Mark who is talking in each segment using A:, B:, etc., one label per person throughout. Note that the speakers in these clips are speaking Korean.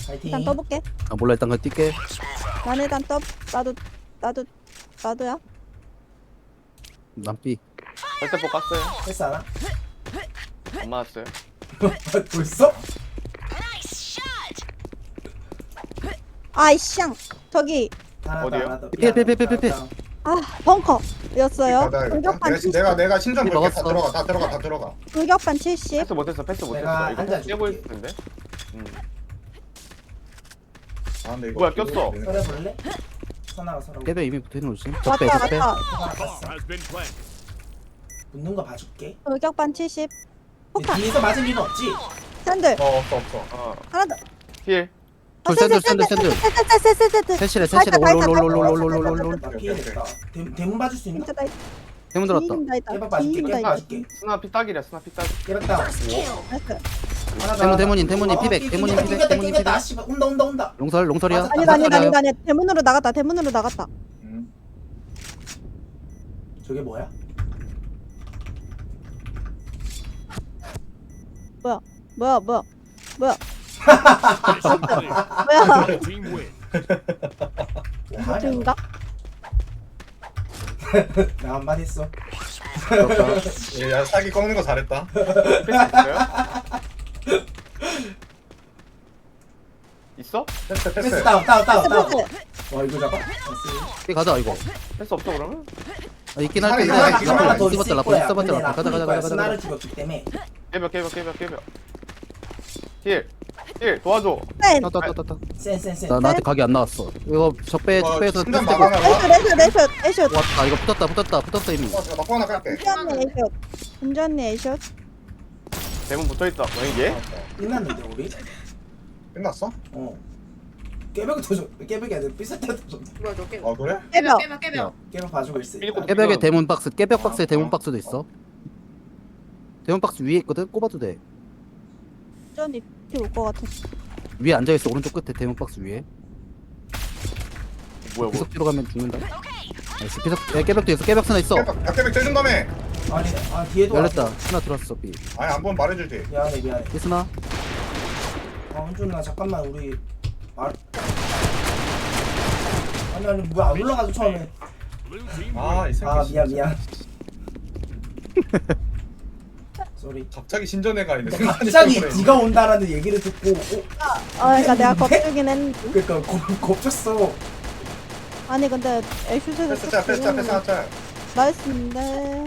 A: 파이팅.
B: 일단 떠볼게.
C: 아 몰라 일단 그냥 뛸게.
B: 난 일단 나도야.
C: 난 B.
D: 절대포 깠어요.
A: 패스 하나?
D: 안 맞았어요.
A: 벌써?
B: 아이샹 저기
A: 하나 더,
D: 어디요?
A: 하나 더.
C: 빼.
B: 아 벙커였어요. 돌격반 70.
E: 내가 신전 볼게. 다
C: 먹었어.
E: 들어가 다 들어가.
B: 돌격반 70.
D: 패스 못했어. 패스
A: 내가
D: 못했어. 이거
A: 앉아줄게.
D: 깨고 있을 텐데.
E: 아 근데 이거
D: 뭐야, 꼈어.
A: 서려 볼래? 선아가 서라고.
C: 깨배 이미 붙어있는 거지.
B: 왔다
C: 적배 적배.
B: 왔다.
A: 하나 봤어. 붙는 거 봐줄게.
B: 돌격반 70.
A: 근데
B: 폭탄.
A: 뒤에서 맞을 일은 없지?
B: 샌들.
E: 없어.
D: 어.
B: 하나 더.
D: 힐.
C: 샌들.
B: 샌들.
C: 셋이래
B: 다 있다, 다 있다,
C: 롤롤롤롤롤롤롤롤.
A: 나 피해냈다. 대문 봐줄 수 있나?
B: 진짜 다 있다.
C: 대문 들었다.
B: 다 있다.
A: 깨박 봐줄게.
B: 뒤인다
A: 깨박
B: 있다.
A: 봐줄게.
D: 스나 피딱이래. 스나 피딱.
A: 깨박다.
B: 나이스.
A: 하나 더.
C: 대문인 피백. 대문인 피백. 대문인 피백.
A: 씨발 온다.
C: 롱설이야.
B: 아니 대문으로 나갔다.
A: 저게 뭐야?
B: 뭐야? 뭐야? 저인가?
A: 나 한마디 했어.
E: 야 사기 꺾는 거 잘했다.
D: 패스 있어요? 있어?
A: 패스
E: 패스.
A: 다운.
B: 패스.
A: 와 이거 잡아?
C: B 가자 이거.
D: 패스 없어 그러면?
C: 아, 있긴 할
E: 사기,
C: 텐데.
E: 사기, 사기.
A: 하나 더 있을
C: 써봤자
A: 거야.
C: 라플
A: 근데 나
C: 가자.
A: 스나를 죽였기 때문에.
D: 깨벽. 힐 도와줘.
B: 샌.
C: 따따따따.
A: 센.
C: 나한테 각이 안 나왔어. 이거 적배에서
E: 신전
C: 패스
E: 막아놔.
B: 에이슛.
C: 왔다. 이거 붙었다 이미.
E: 제가 막고 하나 깔게.
B: 운전이 에이슛.
D: 대문 붙어있다. 뭐 이게?
A: 끝났는데 우리?
E: 끝났어?
A: 어. 깨벽이 더 좋. 깨벽이 아니라 삐살때 더 좋.
F: 뭐야 저 깨벽.
E: 아 그래?
B: 깨벽.
A: 깨벽 봐주고 있어.
D: 일곱
C: 깨벽에 대문 박스. 깨벽 박스에 대문 박스도 있어. 대문 박스 위에 있거든. 꼽아도 돼.
B: 운전이 올것 같아.
C: 위에 앉아 있어. 오른쪽 끝에 대문 박스 위에.
D: 뭐야
C: 계속 뒤로 가면 죽는다. 나이스. 계속 깨벽도 있어. 깨벽 하나 있어.
E: 깨백 째준 다음에.
A: 아니 뒤에도
C: 열렸다. 하나 들어왔어. B.
E: 아니 한번 말해주지.
A: 미안해.
C: 이스나.
A: 한준아 잠깐만 우리 말. 아니 뭐야 안 올라가서 처음에.
E: 아이 새끼.
A: 미안. 쏘리.
E: 갑자기 신전에 가 있네.
A: 갑자기 네가 온다라는 얘기를 듣고
B: 그러니까 내가 겁주긴 했는데.
A: 그러니까 겁쳤어.
B: 아니 근데 에이슛에서
E: 패스 하나 짜.
B: 나이스인데.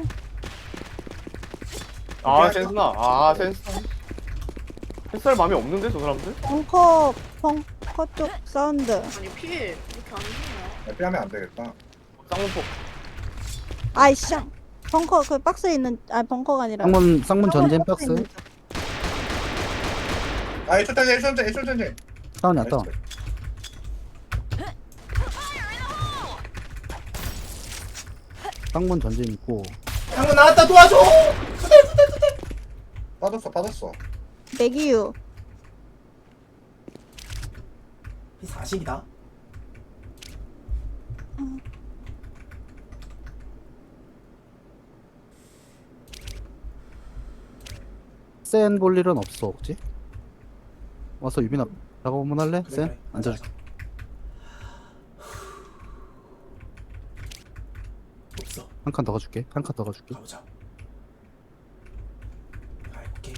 D: 센스나. 패스할 마음이 없는데 저 사람들?
B: 벙커 쪽 사운드.
F: 아니 피해 이렇게 안 되냐?
E: 빼하면 안 되겠다.
D: 쌍문폭.
B: 아이샹. 벙커 그 박스에 있는 벙커가 아니라.
C: 쌍문 전진 박스.
E: 아 애초 전쟁.
C: 다운이야 다운. 쌍문 전진 있고.
A: 한번 나왔다 도와줘.
E: 빠졌어.
B: 맥이유.
A: 40이다.
C: 센 볼 일은 없어 혹시? 와서 유빈아 작업 한번 할래? 센?
A: 그래.
C: 앉아줄게.
A: 없어.
C: 한 칸 더 가줄게.
A: 가보자. 오케이.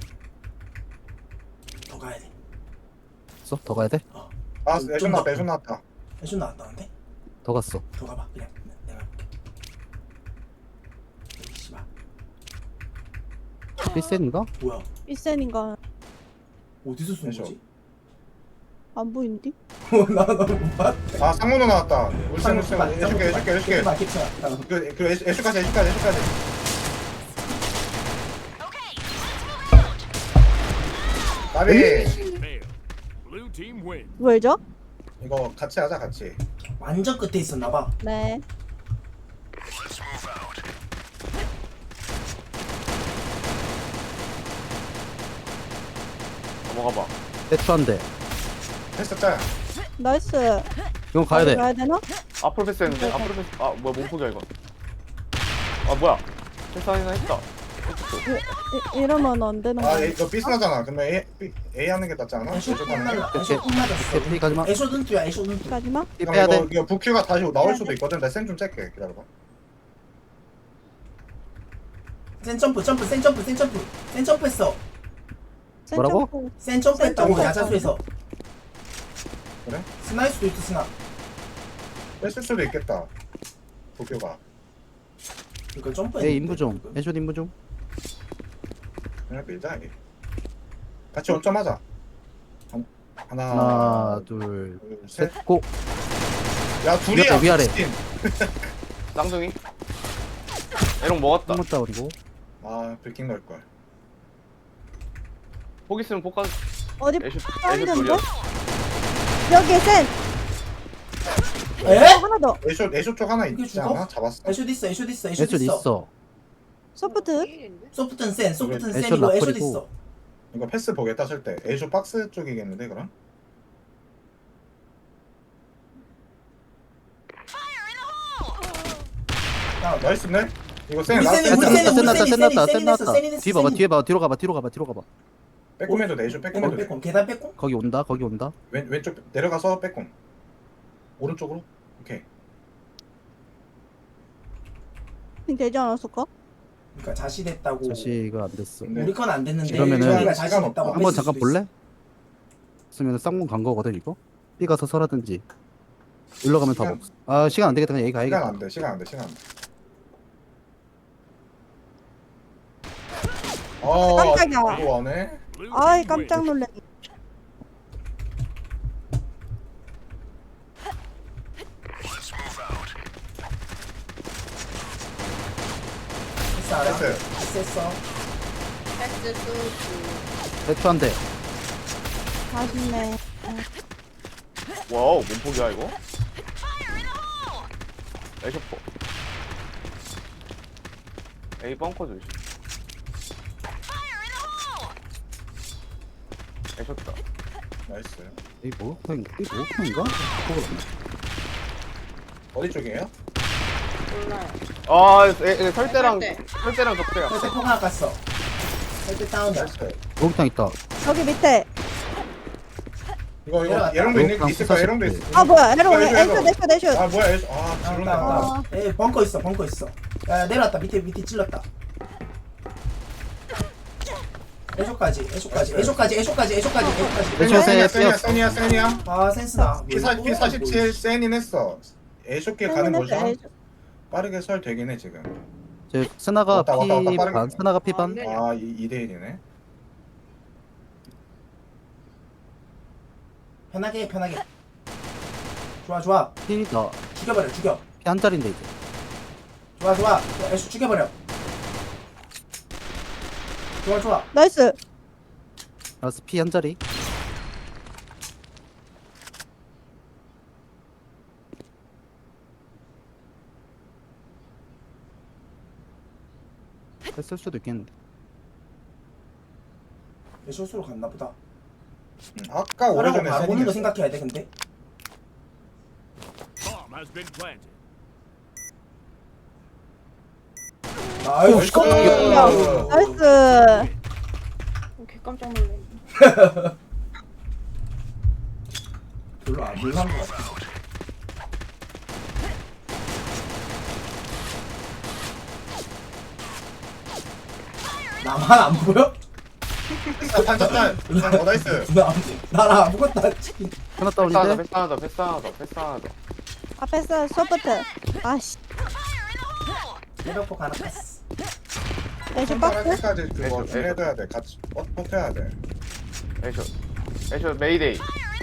A: 더 가야 돼.
C: 있어? 더 가야 돼?
E: 아 애초 나왔다.
A: 해준 나왔다는데?
C: 더 갔어.
A: 더 가봐. 그냥 내가 할게. 씨발.
C: 필센인가?
A: 뭐야?
B: 1센인가
A: 어디서 쏜
E: 해줘.
A: 거지?
B: 안 보이는데?
A: 나못 봤대.
E: 아 쌍문도 나왔다. 울산 해줄게.
A: 괜찮아.
E: 그 애초까지. 나비
B: 왜죠?
E: 이거 같이 하자 같이.
A: 완전 끝에 있었나봐.
B: 네.
D: 넘어가 봐.
C: 대추한데.
E: 패스 짜야.
B: 나이스.
C: 이건 가야 돼.
B: 가야 되나?
D: 앞으로 패스했는데. 앞으로 패스. 뭐야 몸폭이야 이거. 뭐야. 패스 하나 했다.
B: 이러면 안 되는
E: 아
B: 거야.
E: 이거 삐스나잖아. 그러면 A 하는 게 낫지 않아?
A: 애쇼
E: 애쇼
A: 폭
E: 하는 게?
A: 날라. 애쇼 폭 맞았어.
C: 삐 가지마.
A: 애쇼 눈뜨야. 애쇼 눈뜨.
B: 가지마.
C: 삐
E: 그럼
C: 빼야 돼.
E: 이거 부큐가 다시 나올 수도 있거든. 나 센 좀 짤게. 기다려봐.
A: 센 점프 점프 센 점프 센 점프 센 점프했어.
C: 뭐라고?
B: 센
A: 센 점프했다고
B: 점프.
A: 야자수에서.
E: 그래?
A: 스나일 수도 있어 스나.
E: 뺐을 수도 있겠다. 부큐가.
A: 이거 점프.
C: 에 인부 좀. 애쇼 인부 좀.
E: 그냥 밀자 이게. 같이 원점하자. 하나,
C: 하나, 둘,
E: 둘, 셋.
C: 셋, 고.
E: 야 둘이야.
C: 위아래.
E: 미친.
D: 쌍둥이. 에롱 먹었다.
C: 한번 다운이고.
E: 아 브리킹 넣을 걸.
D: 폭 있으면 폭 가.
B: 어디
D: 애쇼
B: 사운드인데?
D: 돌려.
B: 여기 센.
A: 에?
B: 하나 더.
E: 애쇼 쪽 하나
A: 이게
E: 있지
A: 죽어?
E: 않아? 잡았어.
A: 애쇼 있어. 애쇼 있어. 애쇼
C: 애쇼
A: 있어.
C: 있어.
B: 소프트.
A: 소프트는 센. 소프트는
C: 애쇼
A: 센이고 애쇼
C: 라플이고.
A: 있어.
E: 이거 패스 보겠다 쓸 때. 애쇼 박스 쪽이겠는데 그럼?
A: 야,
E: 나이스네. 이거 센
A: 우리
E: 라스트.
A: 센이, 우리
C: 센
A: 센이,
C: 났다, 센 났다,
A: 센이,
C: 센 났다,
A: 센이
C: 센
A: 냈어,
C: 났다.
A: 센이 냈어,
C: 뒤 봐봐,
A: 센이.
C: 뒤에 봐, 뒤로 가봐, 뒤로 가봐, 뒤로 가봐.
E: 빼꼼해도 돼. 애쇼 빼꼼해도 돼.
A: 빼꼼 계단 빼꼼.
C: 거기 온다, 거기 온다.
E: 왼쪽 내려가서 빼꼼. 오른쪽으로. 오케이.
B: 되지 않았을까?
A: 그러니까 자시됐다고.
C: 자시가 안 됐어.
E: 네.
A: 우리 건 안 됐는데
C: 그러면은
A: 저희가
E: 시간
A: 자시됐다고
E: 없다.
C: 한번 잠깐 볼래? 있으면 쌍문 간 거거든 이거. B 가서 설하든지. 일로 가면 답 없어. 아 시간 안 되겠다. 그냥 여기
E: 시간
C: 가야겠다.
E: 안 돼. 시간 안 돼. 시간 안 돼.
B: 깜짝이야.
E: 이거 와네.
B: 아이 깜짝 놀래.
A: 패스 알아?
E: 패스.
A: 패스했어.
F: 패스 수
C: 대추 한 대.
B: 아쉽네.
D: 와우 몸폭이야 이거. 애쇼 폭. A 벙커 조심. 애쇼다.
E: 나이스.
C: 이 목욕탕인가? 이 목욕탕인가? 그거
E: 어디 쪽이에요?
F: 몰라요.
D: 아, 설대랑
F: 설대.
D: 설대랑 적대야.
A: 패스 폭 하나 깠어. 패스 다운이야.
E: 나이스.
C: 목욕탕 있다.
B: 저기 밑에.
E: 이거
A: 내려갔다.
E: 에롱도
C: 목욕탕
E: 있을 거야. 에롱도
C: 수사식
E: 있어.
B: 아 뭐야? 에러
E: 이거, 이거.
B: 애슛 애슛.
E: 아 뭐야? 애쇼. 아
A: 다운
E: 지르네.
A: 다운. 에 벙커 있어. 벙커 있어. 야 내려왔다. 밑에 찔렀다. 애쇼까지. 애쇼까지. 애쇼까지. 애쇼까지. 애쇼까지. 애쇼까지.
C: 애쇼
E: 센이야.
C: 세,
E: 센이야. 센이야.
A: 아 센스다.
E: P47 센인 했어. 애쇼길 가는 거죠?
B: 애슛.
E: 빠르게 설 되긴 해 지금.
C: 제 스나가
E: 왔다, 왔다, 왔다,
C: P
E: 빠르게.
C: 반, 스나가 P 반.
F: 네.
E: 아 2대1이네.
A: 편하게 해, 편하게. 좋아 좋아.
C: P다.
A: 죽여버려. 죽여.
C: P 한 자리인데 이제.
A: 좋아 좋아. 애쇼 죽여버려. 좋아 좋아.
B: 나이스.
C: 알았어 P 한 자리. 했을 수도 있겠는데.
A: 애쇼수로 갔나 보다.
E: 아까
A: 오라고
E: 오래전에
A: 바로 오는 거
E: 센이
A: 생각해야 돼 근데.
G: Bomb has been planted.
A: 아유
E: 나이스.
A: 깜짝이야.
B: 나이스.
F: 개 깜짝 놀래.
A: 별로 안 놀란 것 같아. 나만 안 보여?
E: 탄탄탄. 나이스.
A: 나랑 아무것도 안 찍힌.
C: 하나
D: 패스 하나 더,
C: 다운인데.
D: 패스 하나 더, 패스 하나 더, 패스 하나 더.
B: 앞에 서 소프트. 아씨.
A: 대벽폭 하나 깠어.
B: 애슛
E: 선발할
B: 박스.
E: 때까지 그거
D: 애쇼,
E: 좀 해둬야 돼. 같이 버텨야 돼.
D: 애쇼. 애쇼 메이데이.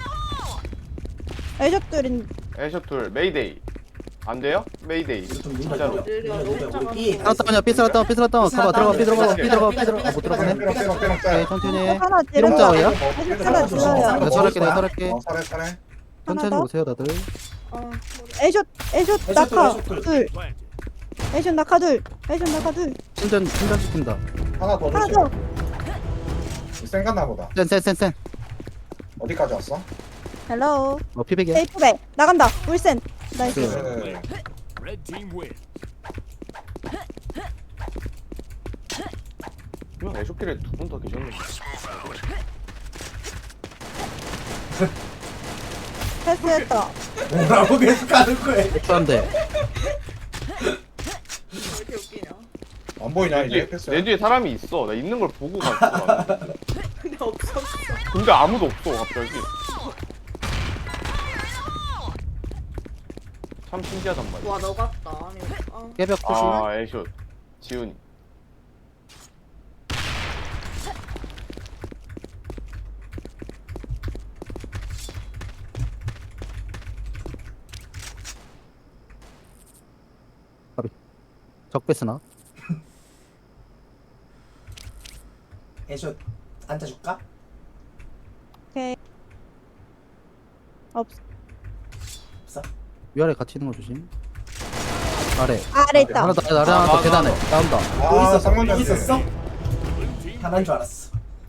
B: 애슛 둘인.
D: 애쇼 둘 메이데이. 안 돼요? 메이데이.
A: 좀
D: 진짜로.
F: 느려, 너무 작아서.
C: 하나 다운이야. P 하나 다운. P 하나 다운. 가봐 들어가. P 들어가. P 들어가. P 들어가. 못 들어가네.
E: 삐롱 삐롱 삐롱
C: 오케이
E: 짤.
C: 천천히.
B: 하나
C: 삐롱
B: 찌르고.
C: 짜오야?
B: 애슛 하나 줄어요.
C: 내가 설할게. 내가 설할게.
E: 살해 살해.
B: 하나
C: 천천히
B: 더.
C: 오세요 다들.
F: 아,
B: 애슛
A: 애슛
B: 낙하
A: 둘, 애슛
B: 둘.
G: Planted.
B: 애슛 낙하 둘. 애슛 낙하 둘.
C: 신전 시킨다.
E: 하나 더
B: 하나
E: 조심.
B: 더.
E: 센 갔나 보다.
C: 센.
E: 어디까지 왔어?
B: 헬로.
C: 피백이야.
B: 에이프백 나간다. 울센. 나이스.
E: 네.
G: Red team win.
D: 분명 애쇼길에 두 분 더 계셨는데.
B: 패스했다.
A: 뭐라고 계속 가는 거야.
C: 백수한데
F: 왜 이렇게 웃기냐?
E: 안 보이냐
D: 내
E: 이제
D: 뒤에,
E: 패스.
D: 내 뒤에 사람이 있어. 나 있는 걸 보고 갔어. 나는.
F: 근데 없었어.
D: 근데 아무도 없어 갑자기. 참 신기하단 말이야.
F: 와, 너 같다. 아니,
C: 깨벽 푸시
D: 아 애쇼 지훈이.
C: 적배스나
A: 애쇼 앉아줄까?
B: 오케이. 없.
A: 없어.
C: 위아래 같이 있는 거 조심. 아래
B: 아래 있다.
C: 하나 더 아래 하나 더 계단에 나온다.
A: 또 있었어.
E: 쌍문
A: 또
E: 전지.
A: 있었어? 하나인 줄 알았어.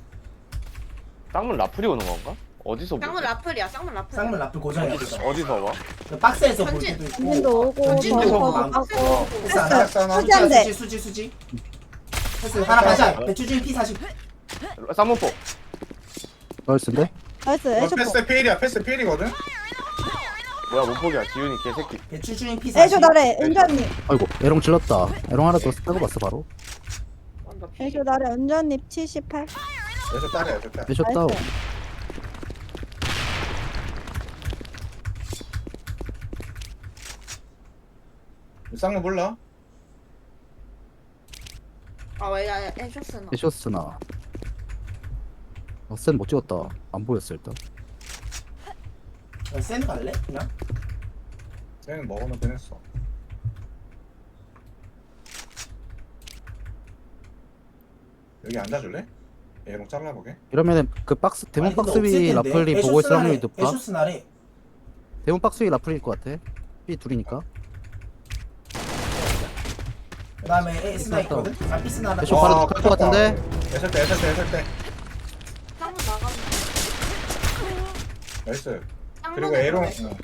D: 쌍문 라플이 오는 건가? 어디서
F: 쌍문
D: 보지?
F: 라플이야, 쌍문 라플.
A: 쌍문 라플 고정이야. 고정.
D: 어디서 봐?
A: 그 박스에서 볼
F: 전진.
A: 때도 있고.
B: 전진도 오고
A: 전진도
B: 저거
A: 오고
B: 하고.
A: 패스 하나.
B: 패스.
E: 하나.
B: 수지 한 대.
A: 수지. 패스 하나 가자. 배추진 P40.
D: 쌍문포.
C: 나이스인데?
B: 나이스.
E: 너
B: 애쇼.
E: 패스 필이야. 패스 필이거든.
D: 뭐야 못 포기야 지훈이 개새끼.
A: 배추진 P40.
B: 애쇼 나래. 은전님.
C: 아이고 에롱 질렀다. 에롱 하나 더 빼고 봤어 바로.
F: 완전 피.
B: 애쇼 나래. 은전님 78.
E: 애쇼 딸이야. 애쇼 딸.
C: 애쇼 다운.
B: 나이스.
E: 쌍문 몰라?
F: 아, 왜, 야, 해줬으나.
C: 애쇼스나. 센못 찍었다. 안 보였어 일단.
A: 센 갈래? 그냥?
E: 쟤는 먹어놓긴 했어. 여기 앉아줄래? 얘랑 잘라보게.
C: 이러면은 그 박스 대문
A: 아니, 근데
C: 박스
A: 없을
C: 위
A: 텐데.
C: 라플이
A: 애쇼
C: 보고 있을
A: 스나래.
C: 확률이 높아.
A: 애쇼 스나래.
C: 대문 박스 위 라플일 것 같아. B 둘이니까.
A: 그 다음에 A 스나 있거든? 아 B 스나 하나.
C: 애쇼 바로 갈것 같은데?
E: 애쇼 때.
F: 쌍문 나가면.
E: 나이스.
F: 쌍문
E: 그리고 에롱.
F: 나가면.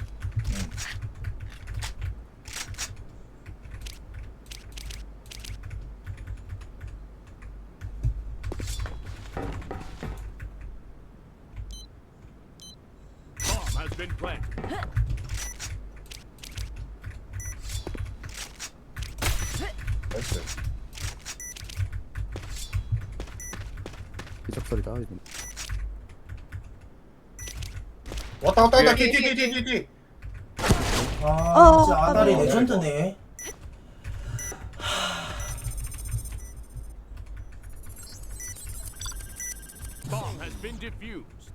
G: Bomb has been planted.
E: 나이스.
C: 기적설이다 이건.
E: 왔다. 뒤.
A: 아 진짜 아다리
B: 깜짝이야.
A: 레전드네.
G: Bomb has been defused.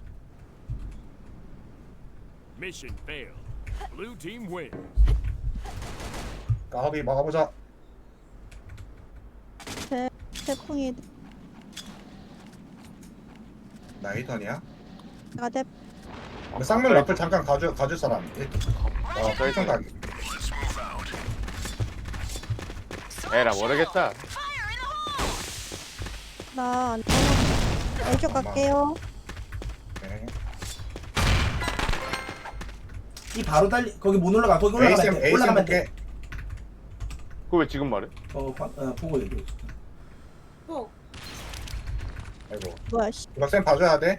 G: Mission failed. Blue team wins.
E: 까비 막아보자.
B: 태풍이
E: 나이턴이야?
B: 나대.
E: 근데 쌍문 라플 잠깐 가줄 사람. 필통 가기.
D: 에라 모르겠다.
B: 나안 애쇼 갈게요.
E: 네.
A: 이 바로 달리 거기 못 올라가. 거기 올라가면 돼.
E: 에이스
A: 올라가면 돼.
E: 볼게.
D: 그거 왜 지금 말해?
A: 보고 얘기해.
F: 어,
E: 아이고.
B: 뭐야 씨.
E: 이박쌤 봐줘야 돼.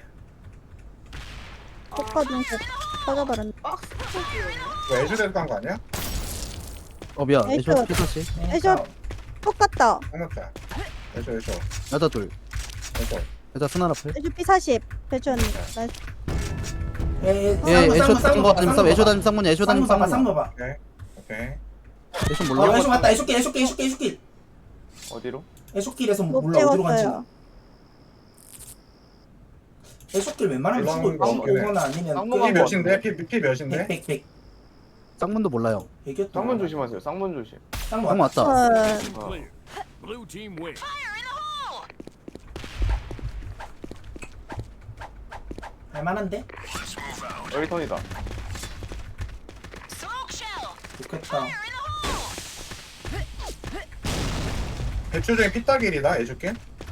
B: 포커 중에 터져버렸네.
F: 박스 터지네.
E: 이거 애쇼 간거 아니야?
C: 미안.
B: 애쇼.
C: 애쇼 피터시.
B: 애쇼. 똑같다.
E: 상납자. 애쇼.
C: 여자 둘. 여자 스나 라플.
B: 애쇼 P40. 배추 언니. 나이스.
C: 예 애쇼 쌍거 아니면 쌍 애쇼 다니면 쌍문이야. 애쇼 다니면
A: 쌍문
C: 쌍문이야.
A: 봐봐.
E: 오케이.
C: 애쇼 몰라.
A: 애쇼 맞다. 애쇼길.
D: 어디로?
A: 애쇼길에서
B: 못
A: 몰라 어디로 간지.
B: 찍었어요.
A: 애쇼길 웬만하면
E: 올라오는
A: 치고
E: 거 없긴 해.
A: 오거나 아니면
D: 쌍문
E: 피
D: 거
E: 몇인데? 피 몇인데?
A: 100.
C: 쌍문도 몰라요.
A: 100이었던
D: 쌍문 조심하세요. 쌍문 조심.
A: 쌍문
C: 쌍문
A: 왔다.
C: 왔다.
B: 헐.
D: 어.
G: Clear. Blue team wins.
A: 할만한데?
D: 여기 턴이다.
A: 좋겠다.
E: 배추 중에 피따길이다. 애쇼게.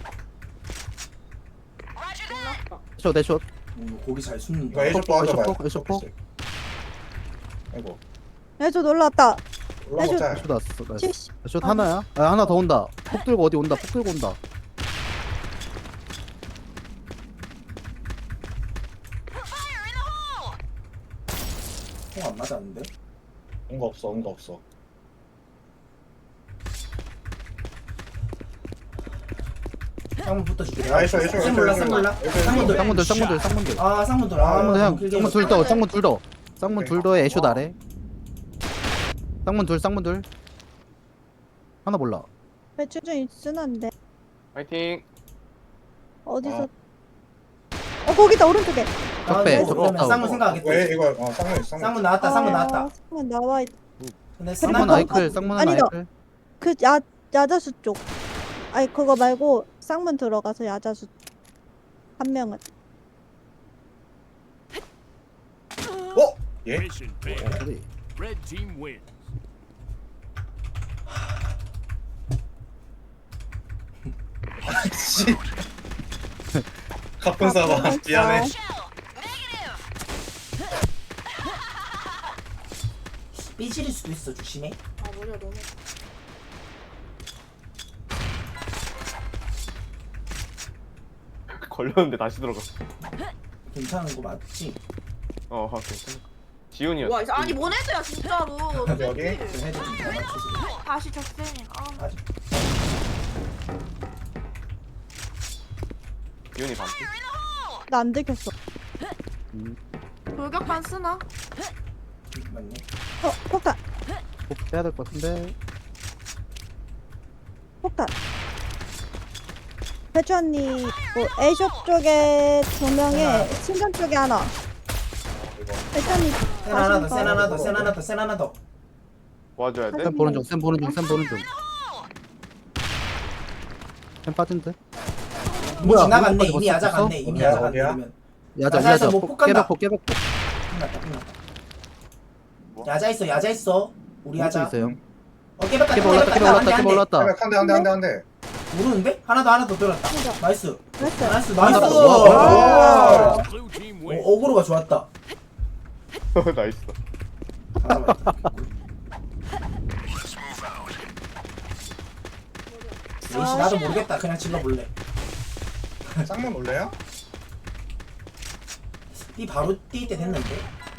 F: 끝났다.
C: 애쇼.
A: 고기 잘 숨는다.
E: 이거 애쇼 빠져봐요.
C: 애쇼 폭.
E: 아이고.
B: 애쇼 놀랐다.
E: 올라가자.
C: 애쇼 났어. 나이스.
B: 70.
C: 애쇼 하나야? 아 하나 더 온다. 폭 들고 어디 온다. 폭 들고 온다.
A: 안 맞았는데?
E: 온거 없어 온거 없어.
A: 쌍문 붙어줄게.
E: 아, 있어, 있어,
A: 쌤
E: 있어,
A: 몰라,
E: 있어.
A: 쌤 몰라.
E: 있어, 있어.
A: 쌍문들.
C: 쌍문들.
A: 아, 쌍문들.
C: 쌍문 형,
A: 길게
C: 쌍문
A: 해봐.
C: 둘 더, 쌍문 둘 더. 쌍문
E: 오케이.
C: 둘 더에 애쇼 아래. 쌍문 둘. 하나 몰라.
B: 배추 좀 있으는데
D: 파이팅.
B: 어디서? 거기다 오른쪽에.
A: 아,
C: 적배,
A: 네,
C: 적배
A: 그러면
C: 없다고.
A: 쌍문 생각하겠다.
E: 왜 이거 쌍문 있어.
A: 쌍문 나왔다, 쌍문 나왔다.
B: 쌍문 나와 있.
A: 근데
C: 쌍문
B: 그리고
C: 아이클, 쌍문은
B: 아니다.
C: 아이클.
B: 그 야자수 쪽. 아니 그거 말고 쌍문 들어가서 야자수. 한 명은.
E: 어? 예?
G: Mission failed.
C: 우리
G: Red team wins.
E: 씨. 가쁜 사람 미안해.
A: 삐질일 수도 있어, 조심해.
F: 아 머리가 너무.
D: 걸렸는데 다시 들어갔어.
A: 괜찮은 거 맞지?
D: 괜찮아. 지훈이었어.
F: 와 아니 뭔 애들야 진짜로.
E: 여기?
A: 그 헤드 좀잘 맞춰서.
F: 다시 적대니. 아.
A: 아직.
D: 지훈이 반피.
B: 나 안 들켰어.
F: 돌격반 쓰나?
A: 맞네.
B: 폭탄.
C: 꼭 빼야 될 것 같은데.
B: 폭탄. 배추 언니 뭐 A숍 쪽에 2명에 신전 쪽에 하나. 배추 언니
A: 센 하나 더, 센 하나 더, 센 하나 더, 센 하나 더.
D: 와줘야 돼.
C: 쌤 보는 중. 쌤 보는 중. 쌤 빠진 듯.
A: 뭐 지나갔네.
C: 오른쪽까지
A: 이미
C: 벌써
A: 야자
C: 갔어?
A: 갔네. 이미
E: 어디야,
A: 야자 갔네.
E: 어디야?
A: 그러면.
C: 야자.
A: 야자에서 뭐 폭간다.
C: 깨벽.
A: 끝났다, 끝났다. 야자 있어, 야자 있어. 우리 야자.
C: 있어요.
A: 깨봤다,
C: 깨벽 올랐다.
A: 깨봤다.
E: 한 대.
A: 모르는데? 하나 더 들었다. 나이스.
B: 됐어.
A: 나이스,
C: 하나
A: 나이스.
C: 더.
A: 와.
G: Blue team wins.
A: 어그로가 좋았다.
D: 나이스.
A: 역시 나도 모르겠다. 그냥 질러볼래.
E: 쌍문 올래요?
A: 이 바로 뛸 때 됐는데.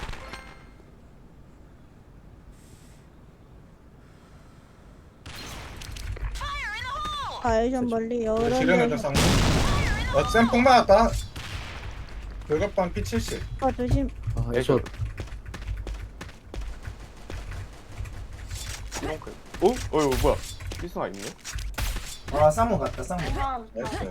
B: 아이션 멀리 여러
E: 지르는
B: 명.
E: 중 쌍문. 쌤폭 맞았다. 돌격반 P70.
B: 조심.
C: 아, 애쇼.
D: 이런클. 이거 뭐야? 필승아 있네?
A: 아, 쌍문 갔다, 쌍문.
F: 사람.
E: 나이스.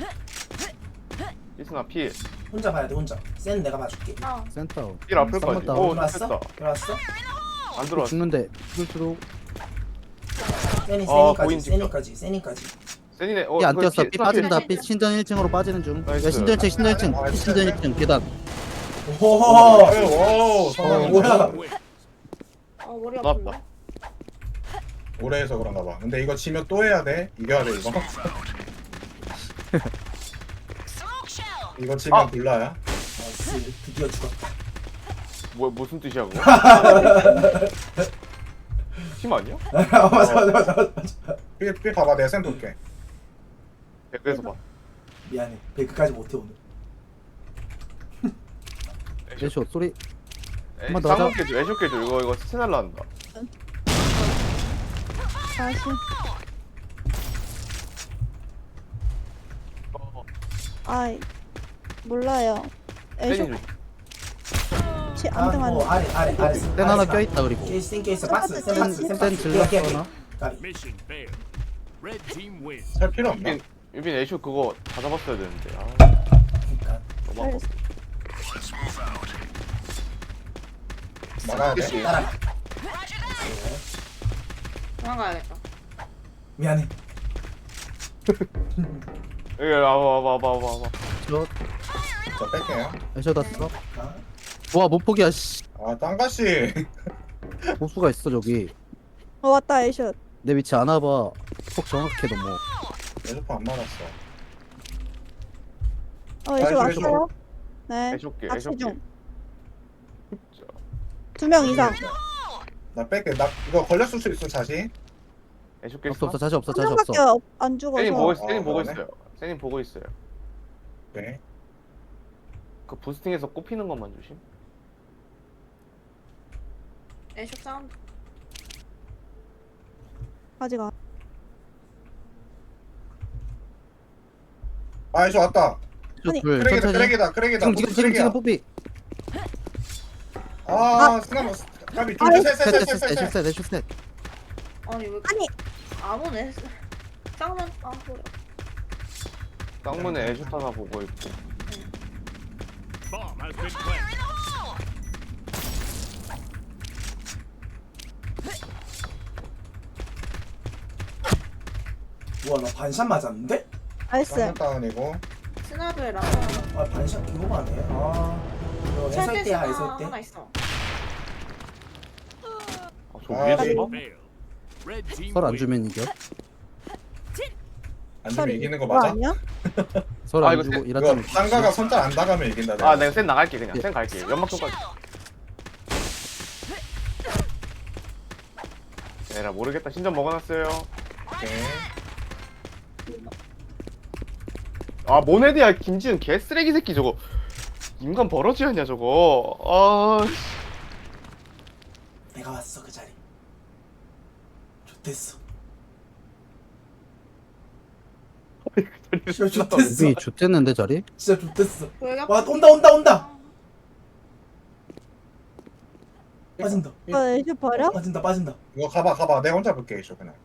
D: 필승아 필.
A: 혼자 봐야 돼, 혼자. 센 내가 봐줄게.
F: 나.
C: 센터.
D: 필 앞을까지.
C: 쌍문
D: 오,
A: 들어왔어?
D: 됐다.
A: 들어왔어?
D: 안 들어왔어.
C: 죽는데 죽을수록
A: 세니,
D: 보인
A: 세니까지, 세니까지.
D: 세니네.
C: 삐안
D: 그걸
C: 뛰었어.
D: 필.
C: 삐 빠진다. 삐 신전 1층으로 빠지는 중.
D: 나이스.
C: 야, 신전 1층 계단.
A: 오호호!
E: 오, 성공.
A: 뭐야?
G: Win.
F: 아 머리
D: 나왔다.
F: 아픈데.
E: 오래 해서 그런가 봐. 근데 이거 지면 또 해야 돼. 이겨야 돼, 이거. 이거 지면 불나야.
A: 나이스, 드디어 죽었다.
D: 무슨 뜻이야 그거? 팀 아니야?
A: 맞아.
E: 삐 봐봐, 내가 쌤 돌게.
D: 댓글에서 봐.
A: 미안해. 베이크까지 못해, 오늘.
C: 애쇼 소리. 한번더 하자.
D: 쌍문 깨줘. 애쇼 깨줘. 이거 스체 날라간다.
B: 다시. 아이 몰라요.
D: 세니
B: A숍
D: 조심.
B: 안 등하네.
A: 아래.
C: 센 하나 껴있다 그리고.
A: 케이스, 박스, 센 박스, 센
C: 센
A: 박스.
C: 질렀거나.
A: 까비.
G: Mission failed. Red team wins.
E: 살 필요 없나?
D: 유빈 애쇼 그거 다 잡았어야 되는데.
A: 그러니까.
D: 너무 아깝다.
E: 막아야 돼.
D: 그치?
A: 따라가.
F: 도망가야겠다.
A: 미안해.
D: 여기 와봐.
C: 저
E: 자, 뺄게요.
C: 애쇼 다 써.
A: 아,
C: 와, 못 포기야 씨.
E: 아, 땅가씨.
C: 보수가 있어 저기.
B: 왔다 A숍.
C: 내 위치 안 와봐. 폭 정확해 너무.
E: 에스퍼 안 맞았어.
B: A숍
E: 아이쇼,
B: 왔어요? 네.
D: 애쇼게.
B: 같이
D: 애쇼게.
B: 중. 2명 이상.
E: 나 뺄게. 나 이거 걸렸을 수 있어, 자신.
D: 애쇼 깼어.
C: 없어 자시 없어
B: 한
C: 자시
B: 명밖에
C: 없어.
B: 안 죽어서.
D: 세니 보고 있어.
E: 아,
D: 세니 보고
E: 그러네.
D: 있어요. 세니 보고 있어요.
E: 네.
D: 그 부스팅에서 꼽히는 것만 조심.
F: 애쇼 사운드.
B: 아직 안.
E: 아 애쇼 왔다.
B: 아니,
C: 둘
E: 크랙이다
C: 천천히.
E: 크랙이다.
C: 지금
E: 크랙이야.
C: 뽀삐.
E: 아 스나머 까비
B: 아이,
E: 둘셋셋셋셋셋.
C: 애슛셋 애슛셋.
F: 아니 왜
B: 아니
F: 안 오네. 쌍문 그래.
D: 쌍문에 애슛 하나 보고 있고.
G: Bomb has been planted.
A: 우와 나 반샷 맞았는데?
B: 나이스.
E: 쌍문 다운이고.
F: 스나브에 라면
A: 아 반샷 기호가네. 아 이거 해설 때야 해설
F: 하나
A: 때.
F: 있어.
D: 저
E: 아,
D: 위에서
E: 네.
D: 봐?
G: Failed. Red team
C: 설 안
G: wins.
C: 주면 이겨.
E: 안 주면 이기는 거
B: 그거
E: 맞아?
B: 아니야?
C: 설
D: 아,
C: 안
D: 이거
C: 주고
E: 이거
C: 일하자면
E: 쌍가가 손잘 안 나가면 이긴다.
D: 아 내가 센 나갈게 그냥. 센 갈게. 연막 쪽까지. 에라 모르겠다. 신전 먹어놨어요.
E: 오케이.
D: 아 모네드야 김지은 개 쓰레기 새끼 저거. 인간 버러지였냐 저거. 아. 씨.
A: 내가 왔어 그 자리. 좋댔어. 진짜 좋댔어.
C: 뽀삐 좆됐는데 자리?
A: 진짜 좋댔어.
F: 여기가
A: 와 온다. 빠진다.
B: 애쇼 버려?
A: 빠진다.
E: 이거 가봐. 내가 혼자 볼게 애쇼 그냥.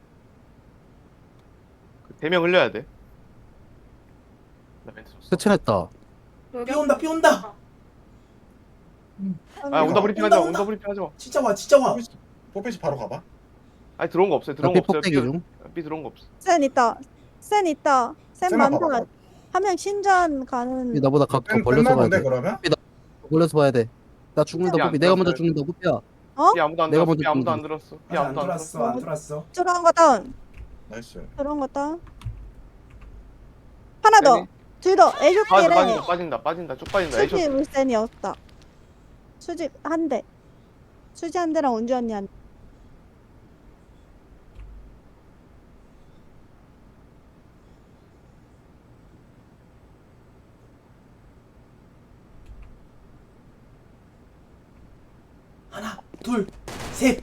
D: 대명 흘려야 돼. 나 멘트 줬어.
C: 세친했다.
A: 비 온다.
D: 아 온다 브리핑 하지 마. 온다 브리핑 하지 마.
A: 진짜 와.
E: 뽀삐씨 바로 가봐.
D: 아니 들어온 거 없어요.
C: 나
D: 들어온 거 없어요.
C: 삐폭대기 중.
D: 삐 들어온 거 없어.
B: 센 있다. 센
E: 센만
B: 많다.
E: 봐봐.
B: 한 명 신전 가는.
C: 삐 나보다 각 더 벌려서
E: 끝나
C: 봐야
E: 본데
C: 돼.
E: 그러면?
C: 벌려서 봐야 돼. 나 죽는다
D: 삐 안
C: 뽀삐. 내가 먼저
D: 들었어요.
C: 죽는다 뽀삐야.
D: 삐 아무도 안
C: 내가
D: 들었어.
C: 먼저
D: 삐 아무도 안
C: 죽는다.
D: 들었어. 삐
A: 아직 안
D: 아무도 안 들었어.
A: 들어왔어. 안 들어왔어.
B: 들어간 거 다운.
E: 나이스.
B: 들어간 거 다운. 하나 더.
D: 세니?
B: 둘 더. 애쇼 끼래.
D: 빠진다. 쭉 빠진다. 에이쇼.
B: 수지 울센이었다. 수지 한 대. 수지 한 대랑 은주 언니 한 대.
A: 하나, 둘, 셋.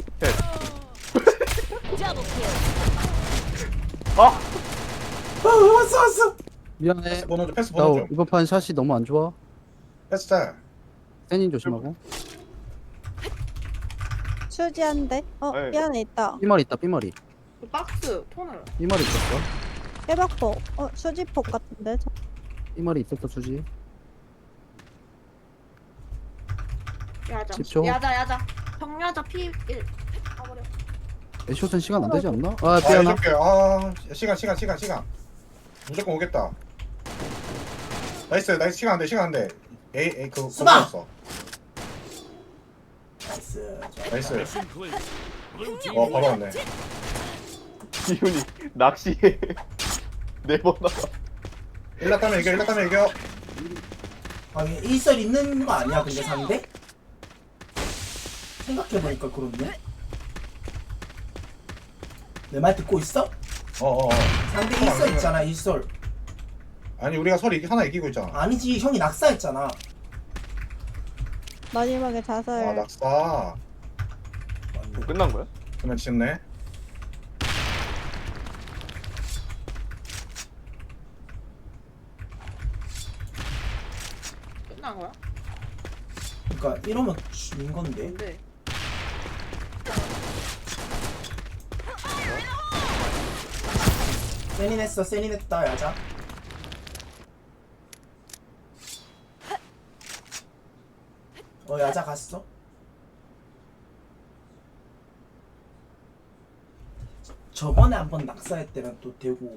D: 아!
A: 왔어.
C: 미안해.
E: 패스
C: 나
E: 번호 좀.
C: 이번 판 샷이 너무 안 좋아.
E: 패스 짤.
C: 세닌 조심하고.
B: 수지 한 대.
D: 네.
B: 미안해 있다.
C: 삐머리 있다 삐머리.
F: 그 박스 톤을.
C: 삐머리 있었어.
B: 해박폭. 수지폭 같은데.
C: 삐머리 있었어 수지.
F: 야자.
C: 10초.
F: 야자. 정야자 P1. 가버려.
C: 애쇼는 시간 안 되지 않나? 아
E: 아
C: 삐하나.
E: 해줄게. 아 시간. 무조건 오겠다. 나이스 시간 안 돼. 에이 그거
A: 수박!
E: 없어.
A: 나이스.
E: 나이스.
G: Mission clear. Blue team
E: 바로
G: wins.
E: 왔네.
D: 기훈이 낚시에 4번 나가.
E: 일났다면 이겨.
A: 아니 일설 있는 거 아니야 근데 상대? 생각해보니까 그렇네. 내 말 듣고 있어?
E: 어어.
A: 상대 일설 있잖아 일설.
E: 아니 우리가 서로 하나 이기고 있잖아.
A: 아니지 형이 낙사했잖아.
B: 마지막에 자살.
E: 아 낙사.
D: 끝난 거야?
E: 그러면 짓네.
F: 끝난 거야?
A: 그러니까 이러면 진 건데.
F: 근데
A: 세닌 했다 야자. 야자 갔어. 저번에 한번 낙사했대면 또 되고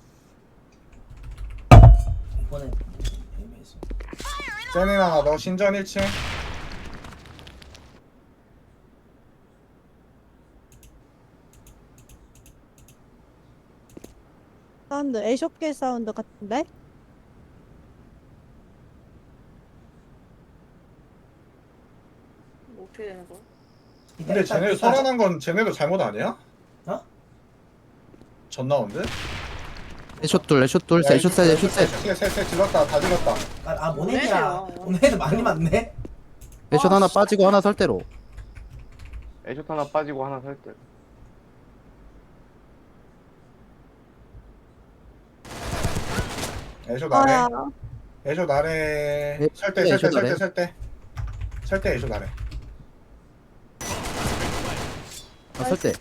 A: 이번에 애매해서.
E: 세니나 너 신전 1층.
B: 사운드. 애쇼길 사운드 같은데?
F: 뭐 어떻게 되는 거야?
E: 근데 쟤네 살아난 건 쟤네도 잘못 아니야?
A: 어?
E: 전 나온데?
C: 애쇼 둘 애쇼 셋.
E: 셋 질렀다 다 질렀다.
A: 모네드야.
F: 모네드야.
A: 모네드 많이 맞네.
C: 애쇼 하나 빠지고 하나 설대로.
D: 애쇼 하나 빠지고 하나 살 때.
E: 애쇼 나래.
B: 아야.
E: 애쇼 나래.
C: 네,
E: 설대
C: 네,
E: 설대
C: 애쇼 나래.
E: 설대 설대. 설대 애쇼 나래.
C: 아, 설대.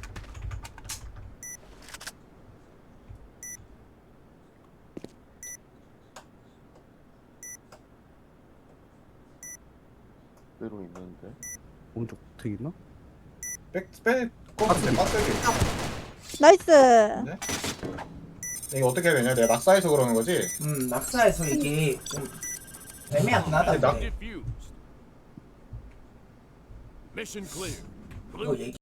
D: 대로 있는데.
C: 오른쪽 어떻게 있나?
E: 빼 꼽으면 빡세게.
B: 나이스.
E: 이거 어떻게 해야 되냐? 내가 낙사해서 그러는 거지?
A: 낙사에서 이게 좀 애매하긴 하다.
E: 근데
A: 근데.
G: Diffused. Mission clear.
A: 이거
G: Blue
A: 얘기